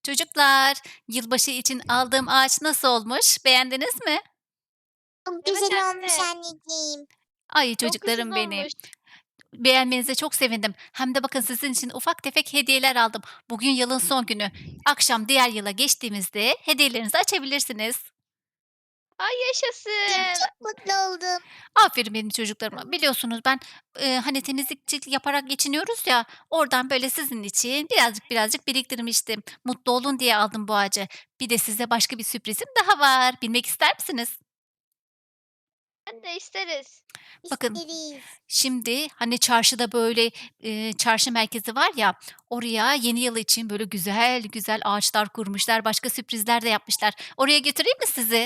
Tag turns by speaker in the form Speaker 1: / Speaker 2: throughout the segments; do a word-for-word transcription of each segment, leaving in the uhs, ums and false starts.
Speaker 1: Çocuklar, yılbaşı için aldığım ağaç nasıl olmuş? Beğendiniz mi?
Speaker 2: Çok
Speaker 3: Evet
Speaker 2: güzel olmuş
Speaker 3: anne.
Speaker 2: anneciğim.
Speaker 1: Ay
Speaker 3: Çok güzel
Speaker 1: çocuklarım benim.
Speaker 3: olmuş.
Speaker 1: Beğenmenize çok sevindim. Hem de bakın sizin için ufak tefek hediyeler aldım. Bugün yılın son günü. Akşam diğer yıla geçtiğimizde hediyelerinizi açabilirsiniz.
Speaker 3: Ay
Speaker 2: Anneciğim
Speaker 3: yaşasın.
Speaker 2: çok mutlu oldum.
Speaker 1: Aferin benim çocuklarıma. Biliyorsunuz ben e, hani temizlikçilik yaparak geçiniyoruz ya. Oradan böyle sizin için birazcık birazcık biriktirmiştim. Mutlu olun diye aldım bu ağacı. Bir de size başka bir sürprizim daha var. Bilmek ister misiniz?
Speaker 3: Ben de isteriz.
Speaker 1: Bakın,
Speaker 2: İsteriz.
Speaker 1: şimdi, hani, çarşıda, böyle, eee, çarşı merkezi var ya, oraya yeni yıl için, böyle, güzel güzel ağaçlar kurmuşlar, başka sürprizler de yapmışlar. Oraya götüreyim mi sizi?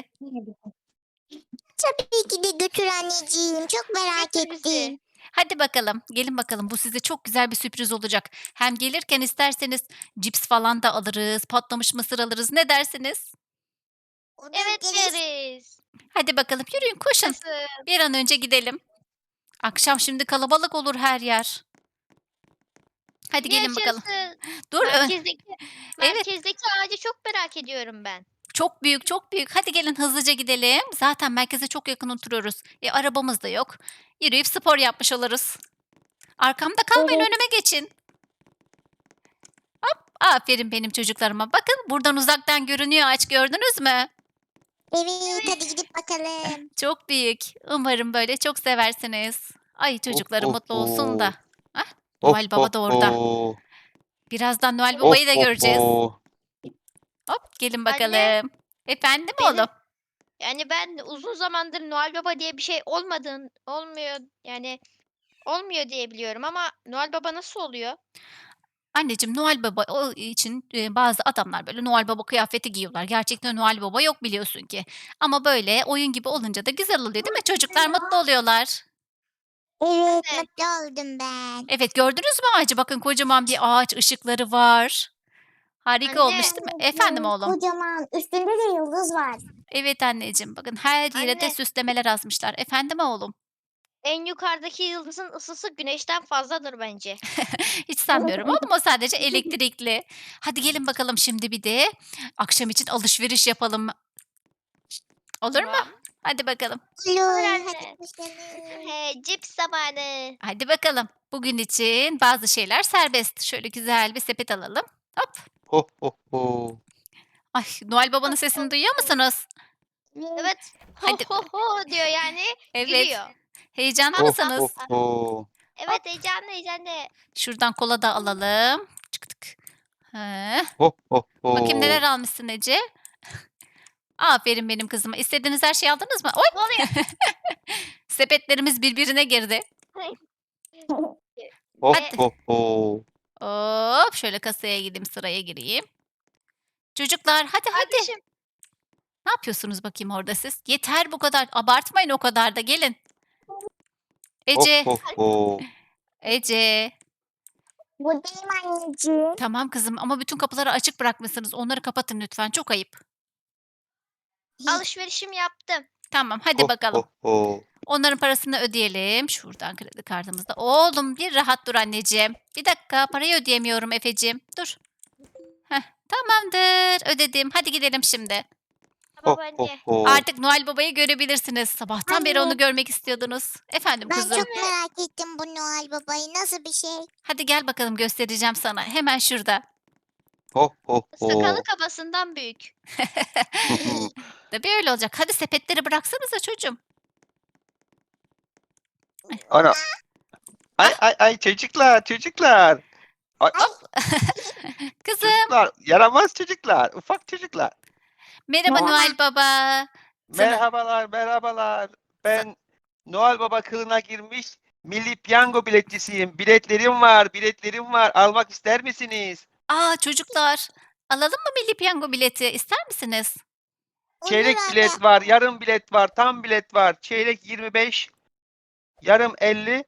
Speaker 2: Tabii ki de götür anneciğim. Çok merak
Speaker 3: Götür bizi.
Speaker 2: ettim.
Speaker 1: Hadi bakalım, gelin bakalım. Bu size çok güzel bir sürpriz olacak. Hem gelirken isterseniz cips falan da alırız, patlamış mısır alırız. Ne dersiniz?
Speaker 2: Olur
Speaker 3: Evet
Speaker 2: deriz.
Speaker 3: deriz.
Speaker 1: Hadi bakalım, yürüyün, koşun.
Speaker 3: Yaşasın.
Speaker 1: Bir an önce gidelim. Akşam şimdi kalabalık olur her yer. Hadi gelin bakalım.
Speaker 3: Yaşasın.
Speaker 1: Dur, ö
Speaker 3: Merkezdeki
Speaker 1: evet.
Speaker 3: merkezdeki ağacı çok merak ediyorum ben.
Speaker 1: Çok büyük, çok büyük. Hadi gelin hızlıca gidelim. Zaten merkeze çok yakın oturuyoruz. E, arabamız da yok. Yürüyüp spor yapmış oluruz. Arkamda kalmayın,
Speaker 2: Evet.
Speaker 1: önüme geçin. Aferin benim çocuklarıma. Bakın buradan uzaktan görünüyor ağaç, gördünüz mü?
Speaker 2: Evet
Speaker 3: Evet.
Speaker 2: hadi gidip bakalım.
Speaker 1: Çok büyük. Umarım böyle çok seversiniz. Ay
Speaker 4: Ho,
Speaker 1: çocuklarım
Speaker 4: ho,
Speaker 1: mutlu olsun da.
Speaker 4: ho.
Speaker 1: Ah,
Speaker 4: Ho,
Speaker 1: Noel
Speaker 4: ho,
Speaker 1: Baba da orada.
Speaker 4: ho.
Speaker 1: Birazdan Noel
Speaker 4: Ho,
Speaker 1: Baba'yı da
Speaker 4: ho,
Speaker 1: göreceğiz.
Speaker 4: ho.
Speaker 1: Hop gelin
Speaker 3: Anne
Speaker 1: bakalım. Efendim oğlum?
Speaker 3: benim yani ben uzun zamandır Noel Baba diye bir şey olmadığın olmuyor yani olmuyor diye biliyorum ama Noel Baba nasıl oluyor?
Speaker 1: Anneciğim, Noel Baba o için, eee, bazı adamlar böyle Noel Baba kıyafeti giyiyorlar. Gerçekten Noel Baba yok biliyorsun ki. Ama böyle oyun gibi olunca da güzel oluyor, değil mi? Çocuklar mutlu oluyorlar.
Speaker 2: Evet
Speaker 3: Evet.
Speaker 2: mutlu oldum ben.
Speaker 1: Evet, gördünüz mü ağacı? Bakın kocaman bir ağaç, ışıkları var. Harika olmuş
Speaker 3: Anne,
Speaker 1: değil mi? Efendim
Speaker 2: Anneciğim
Speaker 1: oğlum?
Speaker 2: kocaman üstünde de yıldız var.
Speaker 1: Evet anneciğim, bakın her yere de
Speaker 3: anne
Speaker 1: süslemeler asmışlar. Efendim oğlum?
Speaker 3: en yukarıdaki yıldızın ısısı güneşten fazladır bence.
Speaker 1: Hiç sanmıyorum oğlum, o sadece elektrikli. Hadi gelin bakalım şimdi bir de akşam için alışveriş yapalım. Olur mu?
Speaker 3: Tamam.
Speaker 1: Hadi bakalım.
Speaker 3: Olur
Speaker 2: Olur hadi
Speaker 3: anne.
Speaker 2: koşalım.
Speaker 3: He, cips zamanı.
Speaker 1: Hadi bakalım. Bugün için bazı şeyler serbest. Şöyle güzel bir sepet alalım. Hop.
Speaker 4: Ho, ho, ho.
Speaker 1: Ay, Noel Baba'nın
Speaker 3: Ho, ho,
Speaker 1: sesini duyuyor
Speaker 3: ho.
Speaker 1: musunuz?
Speaker 2: Evet.
Speaker 3: Evet. Ho
Speaker 1: Hadi.
Speaker 3: ho ho diyor yani
Speaker 1: Evet.
Speaker 3: gülüyor.
Speaker 1: Heyecanlı
Speaker 3: Ha
Speaker 4: Ho,
Speaker 3: ha
Speaker 4: ho,
Speaker 1: mısınız?
Speaker 3: ha.
Speaker 4: ho.
Speaker 1: Hop.
Speaker 3: Evet heyecanlı heyecanlı.
Speaker 1: Şuradan kola da alalım. Çık tık. He.
Speaker 4: Ho, ho,
Speaker 1: Bakayım neler
Speaker 4: ho.
Speaker 1: almışsın Ece. Aferin benim kızıma. İstediğiniz her şeyi aldınız mı? Oy!
Speaker 3: Ne oluyor?
Speaker 1: Sepetlerimiz birbirine girdi.
Speaker 4: Ho,
Speaker 1: Hadi.
Speaker 3: E,
Speaker 4: ho, ho.
Speaker 1: Hop. Şöyle kasaya gideyim, sıraya gireyim. Çocuklar hadi hadi.
Speaker 3: kardeşim
Speaker 1: Ne yapıyorsunuz bakayım orada siz? Yeter bu kadar. Abartmayın o kadar da gelin.
Speaker 4: Ho,
Speaker 1: Ece.
Speaker 4: ho, ho.
Speaker 1: Ece.
Speaker 2: Buradayım anneciğim.
Speaker 1: Tamam kızım ama bütün kapıları açık bırakmışsınız. Onları kapatın lütfen. Çok ayıp.
Speaker 3: alışverişimi yaptım.
Speaker 1: Tamam, hadi
Speaker 4: Ho,
Speaker 1: bakalım.
Speaker 4: ho, ho.
Speaker 1: Onların parasını ödeyelim. Şuradan kredi kartımızda. Oğlum bir rahat dur anneciğim. Bir dakika parayı ödeyemiyorum Efeciğim. Dur. Heh, tamamdır. Ödedim. Hadi gidelim şimdi.
Speaker 4: Ho,
Speaker 3: Tamam
Speaker 4: ho,
Speaker 3: anne.
Speaker 4: ho.
Speaker 1: Artık Noel Baba'yı görebilirsiniz. Sabahtan beri onu
Speaker 2: Anne
Speaker 1: görmek istiyordunuz. Efendim
Speaker 2: ben
Speaker 1: kuzum.
Speaker 2: çok merak ettim bu Noel Baba'yı. Nasıl bir şey?
Speaker 1: Hadi gel bakalım göstereceğim sana. Hemen şurada.
Speaker 4: Ho, ho,
Speaker 3: Sakalı
Speaker 4: ho.
Speaker 3: kafasından büyük.
Speaker 1: Tabii öyle olacak. Hadi sepetleri bıraksanıza çocuğum.
Speaker 4: Ana. Ay,
Speaker 1: Ah,
Speaker 4: ay, ay çocuklar, çocuklar. Ay,
Speaker 2: Ay
Speaker 1: kızım.
Speaker 4: çocuklar, yaramaz çocuklar, ufak çocuklar.
Speaker 1: Merhaba
Speaker 2: merhaba.
Speaker 1: Noel Baba. Sana,
Speaker 4: Merhabalar, merhabalar.
Speaker 1: sa-
Speaker 4: Ben Noel Baba kılığına girmiş milli piyango biletçisiyim. Biletlerim var, biletlerim var. Almak ister misiniz?
Speaker 1: Aa çocuklar. Alalım mı milli piyango bileti? İster misiniz?
Speaker 2: Olur
Speaker 4: Çeyrek
Speaker 2: anne.
Speaker 4: bilet var, yarım bilet var, tam bilet var. Çeyrek yirmi beş, yarım elli,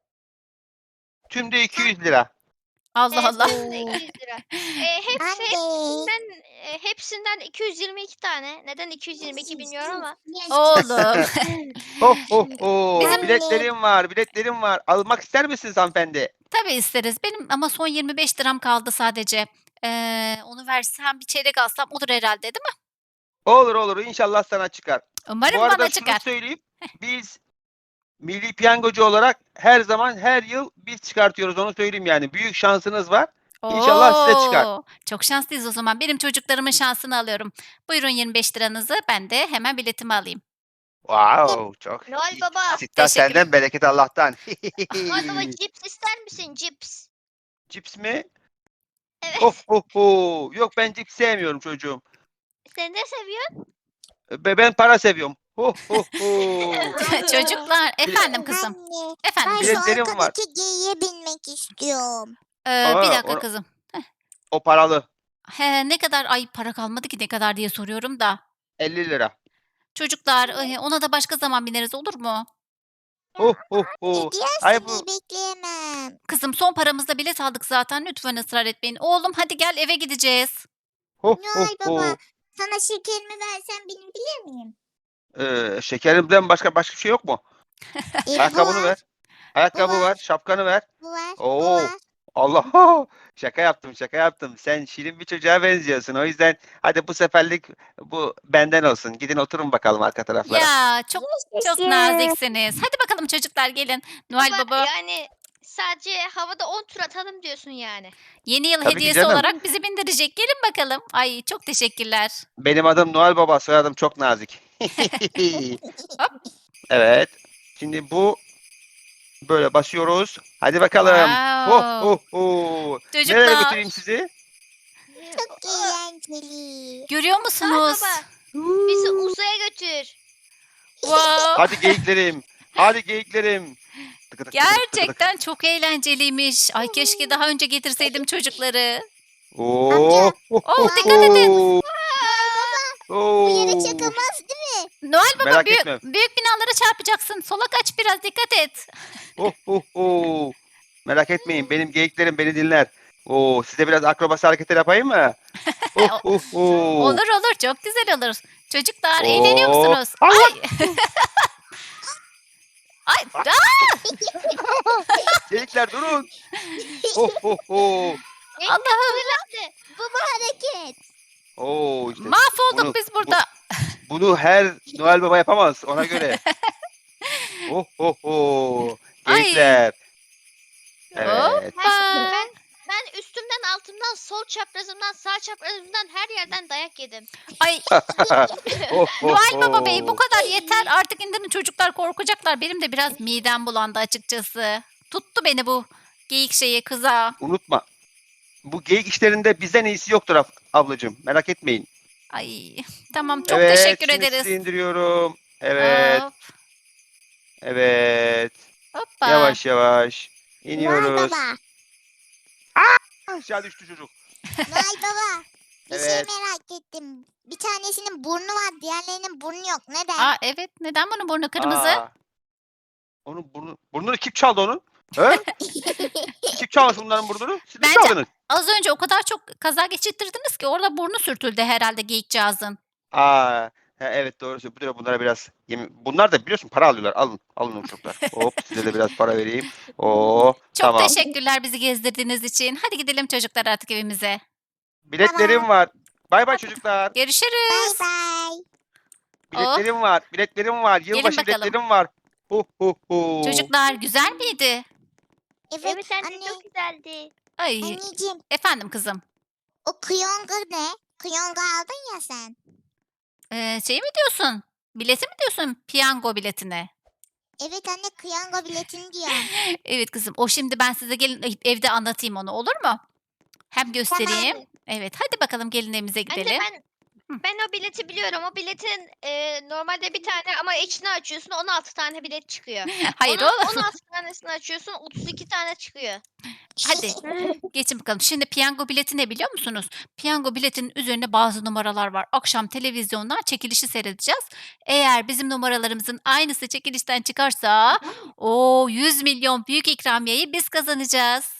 Speaker 4: tümde iki yüz lira.
Speaker 1: Allah
Speaker 3: Evet,
Speaker 1: Allah.
Speaker 3: benim de
Speaker 2: Oo.
Speaker 3: iki yüz lira. Eee, hepsi
Speaker 2: Anne.
Speaker 3: hepsinden, eee, hepsinden iki yüz yirmi iki tane. Neden iki yüz yirmi iki bilmiyorum ama.
Speaker 1: Oğlum.
Speaker 4: Ho ho ho!
Speaker 1: Bizim
Speaker 2: Anne.
Speaker 4: Biletlerim var, biletlerim var. Almak ister misiniz hanımefendi?
Speaker 1: tabii isteriz. Benim ama son yirmi beş liram kaldı sadece. Eee, onu versem bir çeyrek alsam olur herhalde değil mi?
Speaker 4: Olur olur inşallah sana çıkar. Bu
Speaker 1: Umarım
Speaker 4: arada
Speaker 1: bana
Speaker 4: şunu
Speaker 1: çıkar.
Speaker 4: söyleyeyim. Biz milli piyangocu olarak her zaman her yıl biz çıkartıyoruz onu söyleyeyim yani. Büyük şansınız var. İnşallah size çıkar.
Speaker 1: O! Çok şanslıyız o zaman. Benim çocuklarımın şansını alıyorum. Buyurun yirmi beş liranızı. Ben de hemen biletimi alayım.
Speaker 4: Wow, çok
Speaker 3: Noel
Speaker 4: iyi.
Speaker 3: Baba.
Speaker 4: Sitta
Speaker 1: Teşekkür
Speaker 4: senden bereket Allah'tan.
Speaker 3: Noel Baba cips ister misin? Cips.
Speaker 4: Cips mi?
Speaker 3: Evet.
Speaker 4: Oh oh oh. Yok ben cips sevmiyorum çocuğum.
Speaker 3: Sen ne seviyorsun?
Speaker 4: Be- Ben para seviyorum. Oh oh oh.
Speaker 1: Çocuklar, efendim kızım.
Speaker 2: Anne,
Speaker 1: Efendim
Speaker 2: ben
Speaker 1: kızım.
Speaker 2: şu
Speaker 4: Biletlerim var.
Speaker 2: arkadaki geyiğe binmek istiyorum.
Speaker 1: Eee, bir
Speaker 4: Aa,
Speaker 1: dakika
Speaker 4: onu-
Speaker 1: kızım.
Speaker 4: O paralı.
Speaker 1: He, ne kadar? Ay para kalmadı ki ne kadar diye soruyorum da.
Speaker 4: elli lira.
Speaker 1: Çocuklar, eee, ona da başka zaman bineriz olur mu?
Speaker 4: Oh oh oh. Ay
Speaker 2: Hediye
Speaker 4: bu
Speaker 2: bekleyemem.
Speaker 1: Kızım son paramızda bilet aldık zaten. Lütfen ısrar etmeyin. Oğlum hadi gel eve gideceğiz.
Speaker 4: oh oh
Speaker 2: Noel Baba,
Speaker 4: oh.
Speaker 2: sana şekerimi versen binebilir miyim?
Speaker 4: Ee, şekerimden başka başka bir şey yok mu?
Speaker 2: E, bu
Speaker 4: Ayakkabını
Speaker 2: var,
Speaker 4: ver. Ayakkabı
Speaker 2: var.
Speaker 4: ver, şapkanı ver.
Speaker 2: bu var, bu
Speaker 4: Oo.
Speaker 2: var.
Speaker 4: Allah şaka yaptım şaka yaptım. Sen şirin bir çocuğa benziyorsun. O yüzden hadi bu seferlik bu benden olsun. Gidin oturun bakalım arka taraflara.
Speaker 1: Ya çok çok
Speaker 2: Yaşasın.
Speaker 1: naziksiniz. Hadi bakalım çocuklar gelin. Noel
Speaker 3: Baba,
Speaker 1: Baba
Speaker 3: yani sadece havada on tur atalım diyorsun yani.
Speaker 1: yeni yıl
Speaker 4: Tabii ki
Speaker 1: hediyesi
Speaker 4: canım.
Speaker 1: olarak bizi bindirecek. Gelin bakalım. Ay çok teşekkürler.
Speaker 4: Benim adım Noel Baba, soyadım çok nazik.
Speaker 1: Hop.
Speaker 4: Evet. Şimdi bu böyle basıyoruz. Hadi bakalım. Oh
Speaker 1: Wow.
Speaker 4: oh oh. Nereye
Speaker 1: Çocuklar
Speaker 4: götüreyim sizi?
Speaker 2: Çok eğlenceli.
Speaker 1: görüyor
Speaker 3: Noel
Speaker 1: musunuz?
Speaker 3: Baba bizi uzaya götür.
Speaker 1: Wow.
Speaker 4: Hadi geyiklerim. Hadi geyiklerim. Tıkı tık tıkı tık tıkı tık.
Speaker 1: Gerçekten çok eğlenceliymiş. Ay keşke daha önce getirseydim çocukları.
Speaker 4: Oo.
Speaker 2: Amca.
Speaker 1: Oh dikkat edin.
Speaker 4: Oo.
Speaker 2: Bu yere
Speaker 4: Oo.
Speaker 2: çakamaz değil mi?
Speaker 1: Noel Baba
Speaker 4: Merak
Speaker 1: büyük,
Speaker 4: etme.
Speaker 1: büyük binalara çarpacaksın. Sola kaç biraz dikkat et.
Speaker 4: Oh oh oh. Merak etmeyin benim geyiklerim beni dinler. Oo, size biraz akrobasi hareketler yapayım mı? Oh oh oh.
Speaker 1: Olur olur çok güzel olur. Çocuklar
Speaker 4: Oo.
Speaker 1: eğleniyor musunuz?
Speaker 4: Allah!
Speaker 1: Ay. Ay. aa!
Speaker 4: Geyikler durun. Oh oh oh.
Speaker 1: Allah'ım
Speaker 3: Fırlattı.
Speaker 2: Bu bu hareket.
Speaker 4: Oo işte
Speaker 1: mahvolduk
Speaker 4: bunu-
Speaker 1: biz burada.
Speaker 4: bunu her Noel Baba yapamaz ona göre. Oh oh oh.
Speaker 1: Ay.
Speaker 4: Geyikler. Evet.
Speaker 1: Hoppa.
Speaker 3: Ben ben üstümden altımdan sol çaprazımdan sağ çaprazımdan her yerden dayak yedim.
Speaker 1: Ay
Speaker 4: Oh, oh,
Speaker 1: Noel Baba Bey bu
Speaker 4: oh.
Speaker 1: kadar yeter. Artık indirin çocuklar korkacaklar. Benim de biraz midem bulandı açıkçası. Tuttu beni bu geyik şeyi kıza.
Speaker 4: Unutma. Bu geyik işlerinde bizden iyisi yoktur ab- ablacığım. Merak etmeyin.
Speaker 1: Ay tamam çok
Speaker 4: evet,
Speaker 1: teşekkür
Speaker 4: şimdi
Speaker 1: ederiz.
Speaker 4: sizi indiriyorum. Evet,
Speaker 1: Hop,
Speaker 4: evet.
Speaker 1: hoppa.
Speaker 4: Yavaş yavaş
Speaker 2: Noel
Speaker 4: iniyoruz.
Speaker 2: Baba.
Speaker 4: Aşağı düştü çocuk.
Speaker 2: Noel Baba. Bir şey
Speaker 4: Evet.
Speaker 2: merak ettim. Bir tanesinin burnu var, diğerlerinin burnu yok. Neden?
Speaker 1: Aa evet neden bunun burnu kırmızı?
Speaker 4: Aa, onun burnu, burnunu kim çaldı onun? He? Kim çalmış bunların burnunu? Siz mi
Speaker 1: Bence-
Speaker 4: çaldınız?
Speaker 1: Az önce o kadar çok kaza geçirttirdiniz ki orada burnu sürtüldü herhalde geyikcağızın.
Speaker 4: Aa, he, evet doğru söylüyorsun. Bunlara biraz yemin... Bunlar da biliyorsun para alıyorlar. Alın, alın o çocuklar. Hop size de biraz para vereyim. Oo,
Speaker 1: Çok
Speaker 4: tamam.
Speaker 1: teşekkürler bizi gezdirdiğiniz için. Hadi gidelim çocuklar artık evimize.
Speaker 4: Biletlerim var. Bay bay çocuklar.
Speaker 2: Bye
Speaker 1: Görüşürüz.
Speaker 2: bye.
Speaker 4: Biletlerim var. Biletlerim var. Yılbaşı
Speaker 1: bakalım.
Speaker 4: biletlerim var. Hu hu hu.
Speaker 1: Çocuklar güzel miydi?
Speaker 2: Evet,
Speaker 3: Evet anne
Speaker 2: anne.
Speaker 3: çok güzeldi.
Speaker 1: Ay
Speaker 2: Anneciğim,
Speaker 1: efendim kızım.
Speaker 2: o kıyonga ne? Kıyonga aldın ya sen.
Speaker 1: Ee, şey mi diyorsun? Bileti mi diyorsun? Piyango biletine.
Speaker 2: Evet anne, kıyonga biletini diyorum.
Speaker 1: Evet kızım. O şimdi ben size gelin evde anlatayım onu olur mu? Hem göstereyim.
Speaker 3: Tamam.
Speaker 1: Evet hadi bakalım gelin evimize
Speaker 3: Anne
Speaker 1: gidelim.
Speaker 3: ben ben o bileti biliyorum. O biletin e, normalde bir tane ama içini açıyorsun on altı tane bilet çıkıyor.
Speaker 1: Hayır
Speaker 3: Onun
Speaker 1: o.
Speaker 3: on altı tanesini açıyorsun otuz iki tane çıkıyor.
Speaker 1: Hadi geçin bakalım. Şimdi piyango bileti ne biliyor musunuz? Piyango biletinin üzerinde bazı numaralar var. Akşam televizyondan çekilişi seyredeceğiz. Eğer bizim numaralarımızın aynısı çekilişten çıkarsa o yüz milyon büyük ikramiyeyi biz kazanacağız.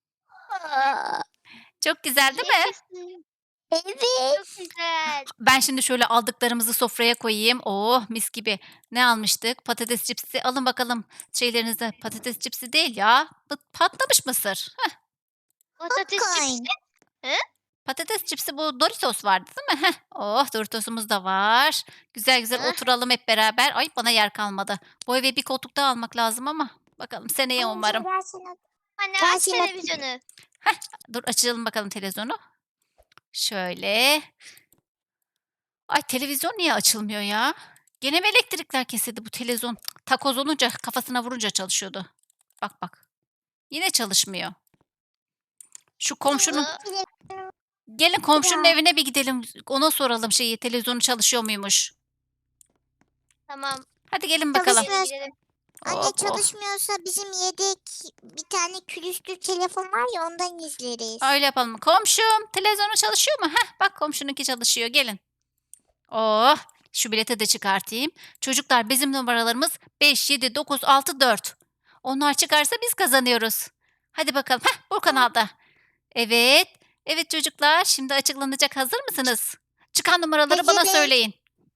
Speaker 1: Çok güzel değil mi?
Speaker 3: Yaşasın.
Speaker 2: Evet.
Speaker 3: Çok güzel.
Speaker 1: Ben şimdi şöyle aldıklarımızı sofraya koyayım. Oh mis gibi. Ne almıştık? Patates cipsi. Alın bakalım şeylerinize. Patates cipsi değil ya. Bu patlamış mısır. Heh,
Speaker 3: Patates
Speaker 2: Popcorn.
Speaker 3: cipsi.
Speaker 1: Patates cipsi bu Doritos vardı değil mi? Heh. Oh Doritos'umuz da var. Güzel güzel
Speaker 3: Hah.
Speaker 1: oturalım hep beraber. Ay bana yer kalmadı. Bu eve bir koltuk daha almak lazım ama bakalım seneye
Speaker 2: Amca
Speaker 1: umarım.
Speaker 2: gel şunu.
Speaker 3: Anne
Speaker 2: Gel
Speaker 3: aç
Speaker 2: şunu.
Speaker 3: televizyonu.
Speaker 1: Dur açalım bakalım televizyonu. Şöyle. Ay televizyon niye açılmıyor ya? Gene mi elektrikler kesildi bu televizyon? Cık, takoz olunca kafasına vurunca çalışıyordu. Bak bak. Yine çalışmıyor. Şu komşunun
Speaker 3: Aa,
Speaker 1: gelin komşunun
Speaker 2: Ya.
Speaker 1: evine bir gidelim. Ona soralım şeyi televizyonu çalışıyor muymuş?
Speaker 3: Tamam.
Speaker 1: Hadi gelin bakalım.
Speaker 2: Çalışmıyor.
Speaker 3: Gidelim, gidelim.
Speaker 2: Anne
Speaker 1: Oh, oh.
Speaker 2: çalışmıyorsa bizim yedek bir tane külüstür telefon var ya ondan izleriz.
Speaker 1: Öyle yapalım. Komşum televizyonu çalışıyor mu? Heh, bak komşununki çalışıyor. Gelin. Oh, şu bileti de çıkartayım. Çocuklar bizim numaralarımız beş, yedi, dokuz, altı, dört. Onlar çıkarsa biz kazanıyoruz. Hadi bakalım. Heh, bu kanalda. Evet. Evet çocuklar şimdi açıklanacak. Hazır mısınız? Çıkan numaraları bana
Speaker 2: Hazırız.
Speaker 1: söyleyin.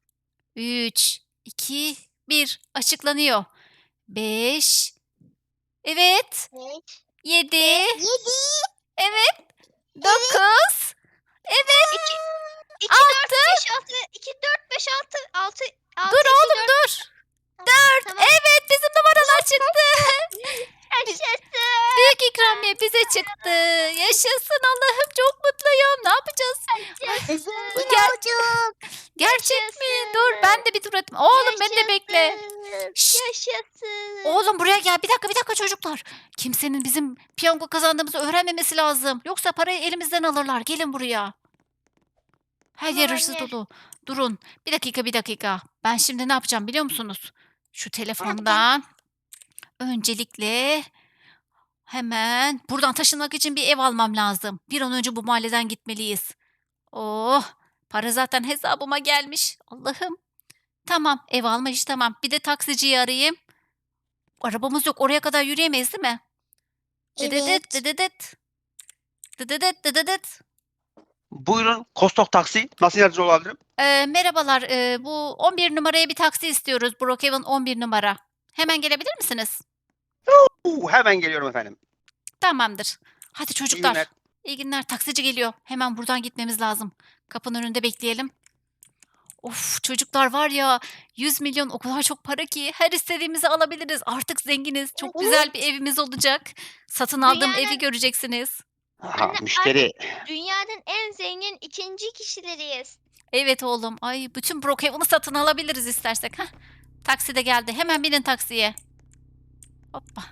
Speaker 1: üç, iki, bir. Açıklanıyor. beş. Evet.
Speaker 3: Evet.
Speaker 1: yedi.
Speaker 2: Yedi.
Speaker 1: Evet. dokuz.
Speaker 3: İki, iki, dört, beş, altı, iki, dört, beş, altı, altı, altı,
Speaker 1: Dur
Speaker 3: iki,
Speaker 1: oğlum
Speaker 3: dört.
Speaker 1: dur.
Speaker 3: Tamam.
Speaker 1: Evet bizim numaralar çıktı.
Speaker 3: Yaşasın.
Speaker 1: Büyük ikramiye bize çıktı. Yaşasın Allah'ım çok mutluyum. Ne yapacağız?
Speaker 3: Yaşasın.
Speaker 2: Bu
Speaker 1: Gel.
Speaker 2: çocuk.
Speaker 1: Gerçek mi?
Speaker 3: Yaşasın.
Speaker 1: Dur ben de bir tur atayım. Oğlum beni de bekle.
Speaker 3: Yaşasın.
Speaker 1: Şşt.
Speaker 3: Yaşasın.
Speaker 1: Oğlum buraya gel. Bir dakika bir dakika çocuklar. Kimsenin bizim piyango kazandığımızı öğrenmemesi lazım. Yoksa parayı elimizden alırlar. Gelin buraya. Her yer
Speaker 3: Tamam
Speaker 1: hırsız
Speaker 3: anne.
Speaker 1: dolu. Durun. Bir dakika bir dakika. Ben şimdi ne yapacağım biliyor musunuz? Şu telefondan öncelikle hemen buradan taşınmak için bir ev almam lazım. Bir an önce bu mahalleden gitmeliyiz. Oh, para zaten hesabıma gelmiş. Allah'ım. Tamam, ev alma işi tamam. Bir de taksiciyi arayayım. Arabamız yok. Oraya kadar yürüyemeyiz değil mi? Dıdıdıt,
Speaker 2: Evet.
Speaker 1: dıdıdıt. Dıdıdıt, dıdıdıt.
Speaker 4: Buyurun Kostok Taksi. Nasıl yardımcı olabilirim?
Speaker 1: Ee, merhabalar. ee, bu on bir numaraya bir taksi istiyoruz. Brookhaven on bir numara. Hemen gelebilir misiniz?
Speaker 4: Uu, hemen geliyorum efendim.
Speaker 1: Tamamdır. Hadi
Speaker 4: İyi
Speaker 1: çocuklar.
Speaker 4: günler.
Speaker 1: İyi günler. Taksici geliyor. Hemen buradan gitmemiz lazım. Kapının önünde bekleyelim. Of çocuklar var ya yüz milyon o kadar çok para ki her istediğimizi alabiliriz. Artık zenginiz. Çok güzel bir evimiz olacak. Satın aldığım evi
Speaker 3: Dünyanın-
Speaker 1: göreceksiniz.
Speaker 4: Aha,
Speaker 3: Anne,
Speaker 4: müşteri.
Speaker 3: Dünyanın en zengin ikinci kişileriyiz.
Speaker 1: Evet oğlum. Ay bütün Brookhaven'ı satın alabiliriz istersek. Hah. Taksi de geldi. Hemen binin taksiye. Hoppa.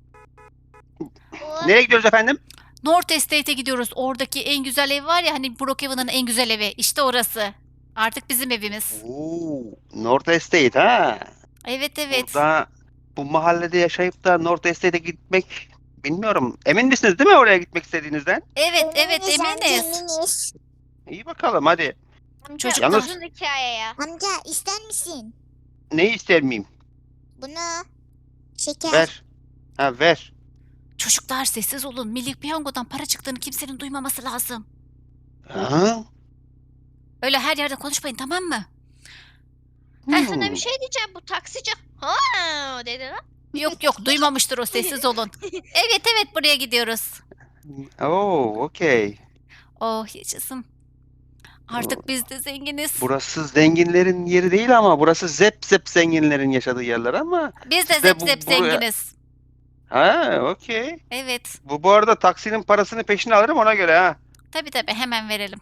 Speaker 3: Oh,
Speaker 4: Nereye gidiyoruz efendim?
Speaker 1: North Estate'e gidiyoruz. Oradaki en güzel ev var ya hani Brookhaven'ın en güzel evi. İşte orası. Artık bizim evimiz.
Speaker 4: Oo, North Estate ha.
Speaker 1: Evet evet.
Speaker 4: Burada bu mahallede yaşayıp da North Estate'e gitmek bilmiyorum. Emin misiniz değil mi oraya gitmek istediğinizden?
Speaker 1: Evet evet
Speaker 2: Eminiz amca,
Speaker 1: eminiz.
Speaker 2: eminiz.
Speaker 4: İyi bakalım hadi.
Speaker 3: amca
Speaker 1: Çocuklar.
Speaker 3: uzun hikaye ya.
Speaker 2: Amca ister misin?
Speaker 4: Neyi ister miyim?
Speaker 2: Bunu. Şeker.
Speaker 4: Ver. Ha ver.
Speaker 1: Çocuklar sessiz olun. Milli Piyango'dan para çıktığını kimsenin duymaması lazım.
Speaker 4: Ha?
Speaker 1: Öyle her yerde konuşmayın tamam mı?
Speaker 3: Ben
Speaker 4: Hmm.
Speaker 3: sana bir şey diyeceğim. Bu taksici ha dedi lan.
Speaker 1: Yok yok duymamıştır o sessiz olun. Evet evet buraya gidiyoruz.
Speaker 4: Oo, okey.
Speaker 1: Oh yaşasın. Artık biz de zenginiz.
Speaker 4: Burası zenginlerin yeri değil ama burası zep zep zenginlerin yaşadığı yerler ama
Speaker 1: Biz de
Speaker 4: siz de
Speaker 1: zep
Speaker 4: bu-
Speaker 1: zep
Speaker 4: buraya-
Speaker 1: zenginiz.
Speaker 4: ha okey.
Speaker 1: Evet.
Speaker 4: Bu bu arada taksinin parasını peşine alırım ona göre ha.
Speaker 1: Tabii tabii hemen verelim.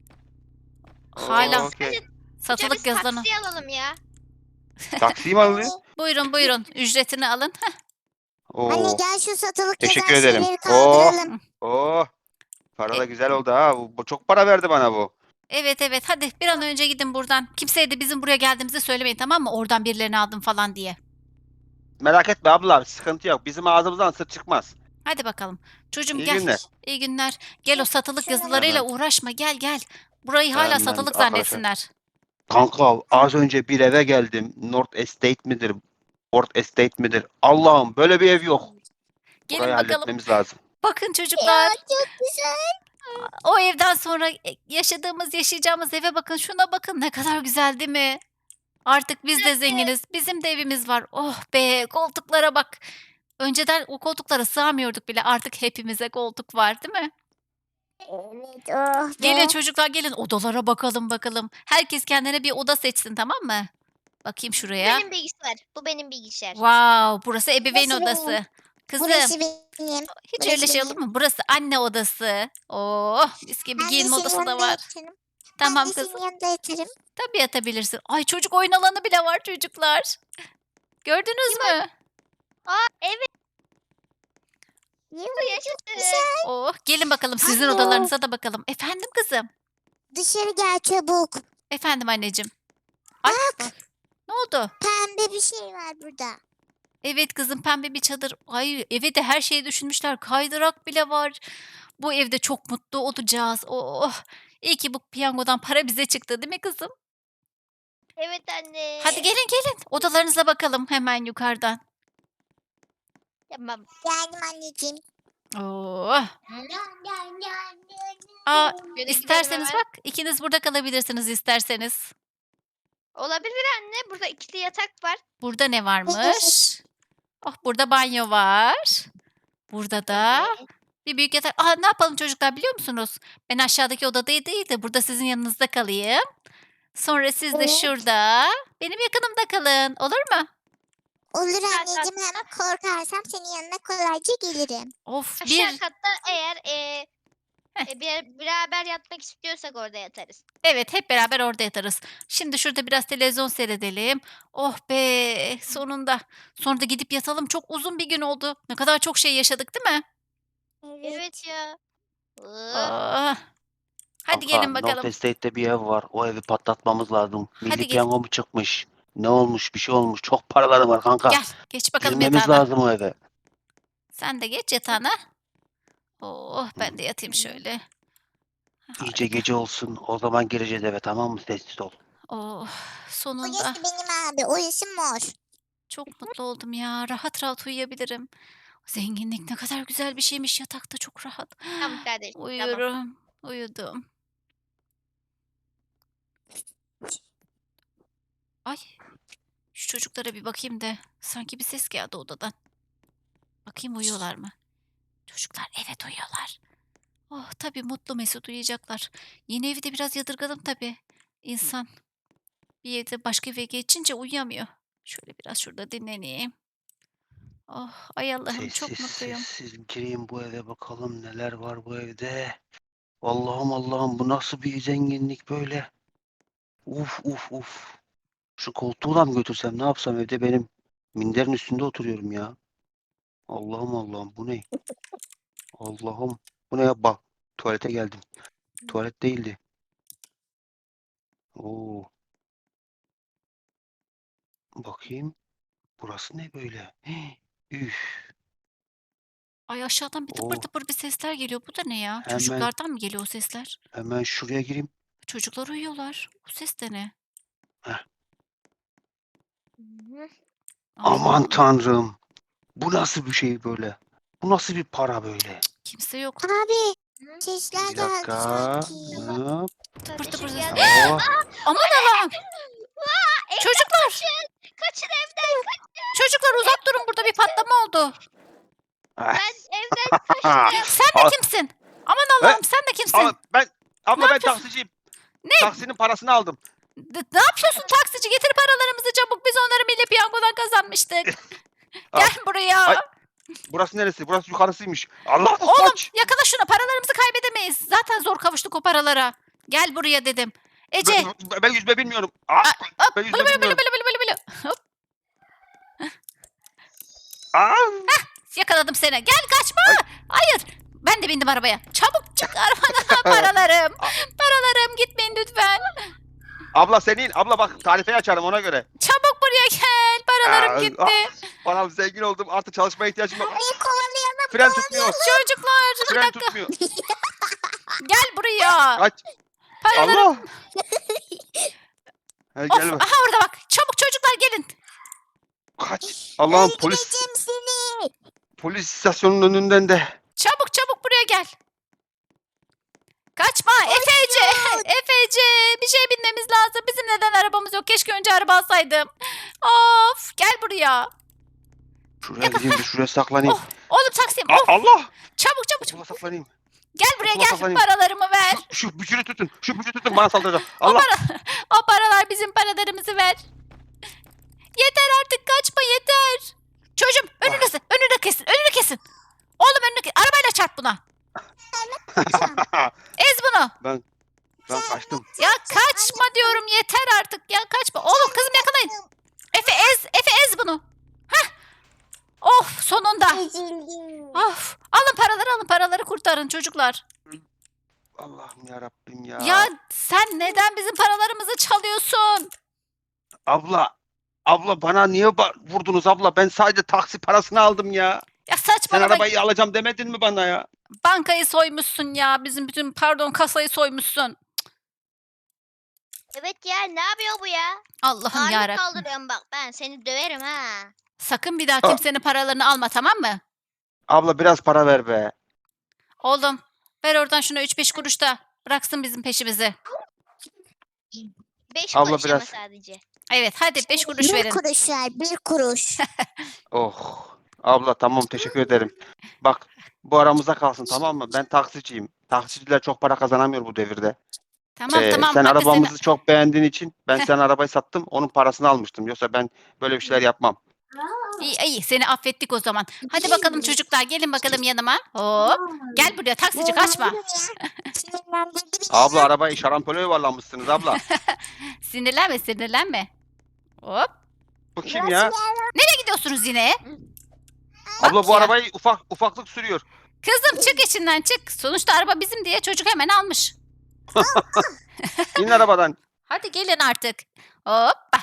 Speaker 4: Oo,
Speaker 1: Hala
Speaker 4: okey.
Speaker 3: Amca
Speaker 1: satılık
Speaker 3: biz
Speaker 1: yazılanı.
Speaker 3: taksi alalım ya.
Speaker 4: Taksiyi mi alıyor?
Speaker 1: Buyurun buyurun ücretini alın. Heh,
Speaker 2: Anne
Speaker 4: Oo,
Speaker 2: gel şu satılık
Speaker 4: Teşekkür
Speaker 2: yazan
Speaker 4: ederim.
Speaker 2: şeyleri
Speaker 4: Oo.
Speaker 2: kaldıralım.
Speaker 4: oh. Para da
Speaker 1: E-
Speaker 4: güzel oldu ha. Bu, bu çok para verdi bana bu.
Speaker 1: Evet evet hadi bir an önce gidin buradan. Kimseye de bizim buraya geldiğimizi söylemeyin tamam mı? Oradan birilerini aldım falan diye.
Speaker 4: Merak etme abla, sıkıntı yok. Bizim ağzımızdan sır çıkmaz.
Speaker 1: Hadi bakalım. Çocuğum
Speaker 4: İyi
Speaker 1: gel.
Speaker 4: günler.
Speaker 1: İyi günler. Gel o satılık
Speaker 2: Şuna
Speaker 1: yazılarıyla
Speaker 4: bak.
Speaker 1: uğraşma. Gel gel. Burayı hala
Speaker 4: Hemen
Speaker 1: satılık
Speaker 4: arkadaşlar.
Speaker 1: zannetsinler.
Speaker 4: Kanka az önce bir eve geldim. North Estate midir? Port Estate midir? Allah'ım böyle bir ev yok.
Speaker 1: Gelin
Speaker 4: Burayı
Speaker 1: bakalım.
Speaker 4: halletmemiz lazım.
Speaker 1: Bakın çocuklar.
Speaker 2: Ya çok güzel.
Speaker 1: O evden sonra e, yaşadığımız, yaşayacağımız eve bakın. Şuna bakın ne kadar güzel değil mi? Artık biz de zenginiz. Bizim de evimiz var. Oh be koltuklara bak. Önceden o koltuklara sığamıyorduk bile. Artık hepimize koltuk var değil mi?
Speaker 2: Evet, oh
Speaker 1: Gelin
Speaker 2: be.
Speaker 1: çocuklar gelin odalara bakalım bakalım. Herkes kendine bir oda seçsin tamam mı? Bakayım şuraya.
Speaker 3: Benim bilgisayar. Bu benim bilgisayar.
Speaker 1: Wow, burası ebeveyn
Speaker 2: Burası benim.
Speaker 1: odası. Kızım,
Speaker 2: Burası benim.
Speaker 1: hiç
Speaker 2: burası
Speaker 1: öyle şey olur
Speaker 2: benim.
Speaker 1: mu? Burası anne odası. Oh, mis gibi
Speaker 2: Ben de
Speaker 1: giyinme
Speaker 2: senin
Speaker 1: odası da
Speaker 2: yanında
Speaker 1: var.
Speaker 2: yatarım.
Speaker 1: Tamam
Speaker 2: Ben de
Speaker 1: kızım.
Speaker 2: senin yanında yatarım.
Speaker 1: Tabii yatabilirsin. Ay çocuk oyun alanı bile var çocuklar. Gördünüz mü?
Speaker 3: Aa evet
Speaker 2: Yuh,
Speaker 3: yaşasın.
Speaker 1: Oh, gelin bakalım sizin
Speaker 2: Anne.
Speaker 1: odalarınıza da bakalım. Efendim kızım.
Speaker 2: Dışarı gel çabuk.
Speaker 1: Efendim anneciğim. Ay,
Speaker 2: Bak
Speaker 1: ne oldu?
Speaker 2: pembe bir şey var burada.
Speaker 1: Evet kızım pembe bir çadır. Ay eve de her şeyi düşünmüşler. Kaydırak bile var. Bu evde çok mutlu olacağız. Oh. İyi ki bu piyangodan para bize çıktı değil mi kızım?
Speaker 3: Evet anne.
Speaker 1: Hadi gelin gelin. Odalarınıza bakalım hemen yukarıdan.
Speaker 3: Tamam.
Speaker 2: Geldim anneciğim.
Speaker 1: Oh. Aa,
Speaker 3: Şöyle
Speaker 1: isterseniz
Speaker 3: gidelim
Speaker 1: bak ikiniz burada kalabilirsiniz isterseniz.
Speaker 3: Olabilir anne. Burada ikili yatak var.
Speaker 1: Burada ne varmış? Oh burada banyo var. Burada da
Speaker 3: Evet.
Speaker 1: bir büyük yatak. Aa, ne yapalım çocuklar biliyor musunuz? Ben aşağıdaki odada değil de burada sizin yanınızda kalayım. Sonra siz de
Speaker 2: Evet.
Speaker 1: şurada benim yakınımda kalın. Olur mu?
Speaker 2: Olur
Speaker 3: Aşağı
Speaker 2: anneciğim hem korkarsam senin yanına kolayca gelirim.
Speaker 1: Of
Speaker 3: Aşağı
Speaker 1: bir
Speaker 3: katta eğer e,
Speaker 1: Heh.
Speaker 3: e, bir, beraber yatmak istiyorsak orada yatarız.
Speaker 1: evet hep beraber orada yatarız. Şimdi şurada biraz televizyon seyredelim. Oh be sonunda. Sonra da gidip yatalım. Çok uzun bir gün oldu. Ne kadar çok şey yaşadık değil mi?
Speaker 2: Evet.
Speaker 3: Evet ya. Oh.
Speaker 1: Ah. Hadi
Speaker 5: Kanka,
Speaker 1: gelin
Speaker 5: North
Speaker 1: bakalım.
Speaker 5: Estate'te bir ev var. O evi patlatmamız lazım. Milli
Speaker 1: Hadi gelin.
Speaker 5: piyango mu çıkmış? Ne olmuş? Bir şey olmuş. Çok paraları var kanka.
Speaker 1: Gel geç bakalım
Speaker 5: Girmemiz
Speaker 1: yatağına.
Speaker 5: lazım o eve.
Speaker 1: Sen de geç yatağına. Oh ben de yatayım şöyle.
Speaker 5: İyice
Speaker 1: Harika.
Speaker 5: gece olsun. O zaman gireceğiz eve, tamam mı? Sessiz ol.
Speaker 1: Oh sonunda.
Speaker 2: Orası benim abi. Orası mor.
Speaker 1: Çok mutlu oldum ya. Rahat rahat uyuyabilirim. Zenginlik ne kadar güzel bir şeymiş. Yatakta çok rahat.
Speaker 3: Tamam kardeşim. Tamam.
Speaker 1: Uyuyorum. Uyudum. Ay. Şu çocuklara bir bakayım da. Sanki bir ses geldi odadan. Bakayım uyuyorlar mı? Çocuklar evet uyuyorlar. Oh tabii mutlu mesut uyuyacaklar. Yeni evi de biraz yadırgadım tabii. İnsan bir evde başka eve geçince uyuyamıyor. Şöyle biraz şurada dinleneyim. Oh ay Allah'ım çok
Speaker 5: Sessiz
Speaker 1: mutluyum.
Speaker 5: sessiz gireyim bu eve, bakalım neler var bu evde. Allah'ım Allah'ım, bu nasıl bir zenginlik böyle? Uf uf uf. Şu koltuğu da mı götürsem, ne yapsam evde, benim minderin üstünde oturuyorum ya. Allah'ım Allah'ım, bu ne? Allah'ım. Bu ne ya? Bak. Tuvalete geldim. Tuvalet değildi. Oo. Bakayım. Burası ne böyle? Hii, Üf.
Speaker 1: Ay aşağıdan bir tıpır
Speaker 5: Oh.
Speaker 1: tıpır bir sesler geliyor. Bu da ne ya?
Speaker 5: Hemen.
Speaker 1: Çocuklardan mı geliyor o sesler?
Speaker 5: Hemen şuraya gireyim.
Speaker 1: Çocuklar uyuyorlar. O ses de ne?
Speaker 3: Hı.
Speaker 5: Aman
Speaker 1: Allah'ım,
Speaker 5: tanrım. Bu nasıl bir şey böyle? Bu nasıl bir para böyle?
Speaker 1: kimse yok.
Speaker 2: Abi
Speaker 3: Hı?
Speaker 2: sesler
Speaker 5: Bir
Speaker 2: geldi
Speaker 5: dakika.
Speaker 2: sanki.
Speaker 5: Hop.
Speaker 1: Tıpır tıpır
Speaker 3: Kardeşim
Speaker 1: ses.
Speaker 3: geldi.
Speaker 5: Oh.
Speaker 1: Aman Allah'ım.
Speaker 3: Evden
Speaker 1: Çocuklar.
Speaker 3: kaçın. Kaçın evden.
Speaker 1: Çocuklar uzak durun burada bir patlama oldu.
Speaker 5: Ah.
Speaker 3: Ben evden kaçtım.
Speaker 1: Sen de
Speaker 5: Ah.
Speaker 1: kimsin? Aman Allah'ım sen de kimsin?
Speaker 4: Abla ben abla ben
Speaker 1: yapıyorsun?
Speaker 4: taksiciyim.
Speaker 1: Ne?
Speaker 4: Taksinin parasını aldım.
Speaker 1: D- ne yapıyorsun taksici? Getir paralarımızı çabuk. Biz onları milli piyangodan kazanmıştık.
Speaker 4: Al.
Speaker 1: Gel buraya.
Speaker 4: Ay, Burası neresi? Burası yukarısıymış. Allah
Speaker 1: Oğlum
Speaker 4: kaç.
Speaker 1: yakala şunu. Paralarımızı kaybedemeyiz. Zaten zor kavuştuk o paralara. Gel buraya dedim. Ece.
Speaker 4: Ben, ben yüzme bilmiyorum. Aa,
Speaker 1: Hop.
Speaker 4: ben
Speaker 1: Bılı
Speaker 4: yüzme
Speaker 1: bılı bılı
Speaker 4: bilmiyorum.
Speaker 1: bılı bılı bılı. Hop.
Speaker 4: Aa,
Speaker 1: Yakaladım seni. Gel kaçma. Hayır. Ben de bindim arabaya. Çabuk çık arabadan paralarım. Paralarım gitmeyin lütfen.
Speaker 4: abla senin. Abla bak tarifeyi açarım ona göre.
Speaker 1: Çabuk buraya gel. Paralarım
Speaker 4: Aa,
Speaker 1: gitti.
Speaker 4: ah, Param zengin oldum. Artık çalışmaya ihtiyacım yok.
Speaker 2: Bir kovalayalım.
Speaker 4: Fren tutmuyor.
Speaker 1: Çocuklar bir
Speaker 4: Fren
Speaker 1: dakika.
Speaker 4: tutmuyor.
Speaker 1: Gel buraya.
Speaker 4: Kaç.
Speaker 1: Paralarım.
Speaker 4: Allah. Hey,
Speaker 1: Of.
Speaker 4: gelme.
Speaker 1: Aha orada bak. Çabuk çocuklar gelin.
Speaker 4: Kaç. Allah'ım polis
Speaker 2: Öldüreceğim seni.
Speaker 4: polis istasyonunun önünden de.
Speaker 1: Çabuk çabuk buraya gel. Kaçma Efece. Efece bir şey binmemiz lazım. Bizim neden arabamız yok? Keşke önce araba alsaydım. Of gel buraya.
Speaker 5: Şuraya gideyim de şuraya saklanayım.
Speaker 1: Oh, oğlum taksim.
Speaker 4: Aa,
Speaker 1: Of,
Speaker 4: Allah.
Speaker 1: çabuk çabuk çabuk.
Speaker 4: Buna saklanayım.
Speaker 1: Gel buraya
Speaker 5: Okula
Speaker 1: gel.
Speaker 5: kazanayım.
Speaker 1: Paralarımı ver.
Speaker 5: Şu, şu bücürü tutun. Şu bücürü tutun bana saldıracak.
Speaker 1: O,
Speaker 5: Allah.
Speaker 1: para, o paralar bizim paralarımızı ver. Yeter artık kaçma yeter. Çocuğum önünü, kesin, önünü kesin önünü kesin. Oğlum önünü kesin. Arabayla çarp buna. Ez bunu.
Speaker 5: ben ben kaçtım.
Speaker 1: Ya kaçma diyorum yeter artık ya kaçma. Oğlum kızım yakalayın. Efe ez Efe ez bunu. Hah. Of sonunda.
Speaker 2: Üzüldüm.
Speaker 1: Of. Alın paraları alın paraları kurtarın çocuklar.
Speaker 5: Allah'ım ya Rabbim ya.
Speaker 1: Ya sen neden bizim paralarımızı çalıyorsun?
Speaker 5: Abla. Abla bana niye ba- vurdunuz abla? Ben sadece taksi parasını aldım ya.
Speaker 1: Ya
Speaker 5: Sen
Speaker 1: saçmalama.
Speaker 5: arabayı alacağım demedin mi bana ya?
Speaker 1: Bankayı soymuşsun ya. Bizim bütün pardon kasayı soymuşsun.
Speaker 3: Evet ya ne yapıyor bu ya?
Speaker 1: Allah'ım
Speaker 3: Ağırlık
Speaker 1: yarabbim.
Speaker 3: kaldırıyorum bak ben seni döverim ha.
Speaker 1: Sakın bir daha
Speaker 5: Aa.
Speaker 1: kimsenin paralarını alma tamam mı?
Speaker 5: Abla biraz para ver be.
Speaker 1: Oğlum ver oradan şuna üç beş kuruş da bıraksın bizim peşimizi.
Speaker 3: Beş
Speaker 5: Abla
Speaker 3: kuruş ama
Speaker 5: biraz-
Speaker 3: sadece.
Speaker 1: Evet hadi beş kuruş
Speaker 2: Bir
Speaker 1: verin.
Speaker 2: kuruş ver, bir kuruş.
Speaker 5: Oh. Abla tamam teşekkür ederim. Bak bu aramıza kalsın tamam mı? Ben taksiciyim. Taksiciler çok para kazanamıyor bu devirde.
Speaker 1: Tamam
Speaker 5: Ee,
Speaker 1: tamam
Speaker 5: sen
Speaker 1: hadi sen-
Speaker 5: arabamızı çok beğendiğin için ben senin arabayı sattım. Onun parasını almıştım. Yoksa ben böyle bir şeyler yapmam.
Speaker 1: İyi iyi seni affettik o zaman. Hadi bakalım çocuklar gelin bakalım yanıma. Hop. Gel buraya taksici kaçma.
Speaker 2: Sinirlendirdi beni.
Speaker 5: Abla arabayı şarampole yuvarlamışsınız abla.
Speaker 1: Sinirlenme sinirlenme. Hop.
Speaker 5: Bu kim ya?
Speaker 1: Nereye gidiyorsunuz yine?
Speaker 5: Abla bu
Speaker 1: ya.
Speaker 5: arabayı ufak ufaklık sürüyor.
Speaker 1: Kızım çık içinden çık. Sonuçta araba bizim diye çocuk hemen almış.
Speaker 5: İn arabadan.
Speaker 1: Hadi gelin artık. Hoppa.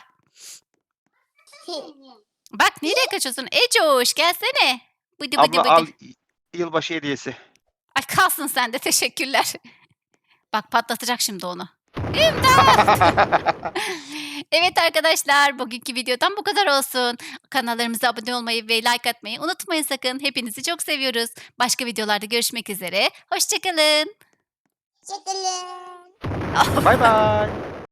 Speaker 1: Bak nereye kaçıyorsun? Ecoş gelsene. Bıdı bıdı
Speaker 5: Abla
Speaker 1: bıdı.
Speaker 5: al y- yılbaşı hediyesi.
Speaker 1: Ay kalsın sen de teşekkürler. Bak patlatacak şimdi onu. İmdat! Evet arkadaşlar bugünkü videodan bu kadar olsun. Kanallarımıza abone olmayı ve like atmayı unutmayın sakın. Hepinizi çok seviyoruz. Başka videolarda görüşmek üzere. Hoşçakalın.
Speaker 2: Hoşçakalın.
Speaker 5: Bay bay.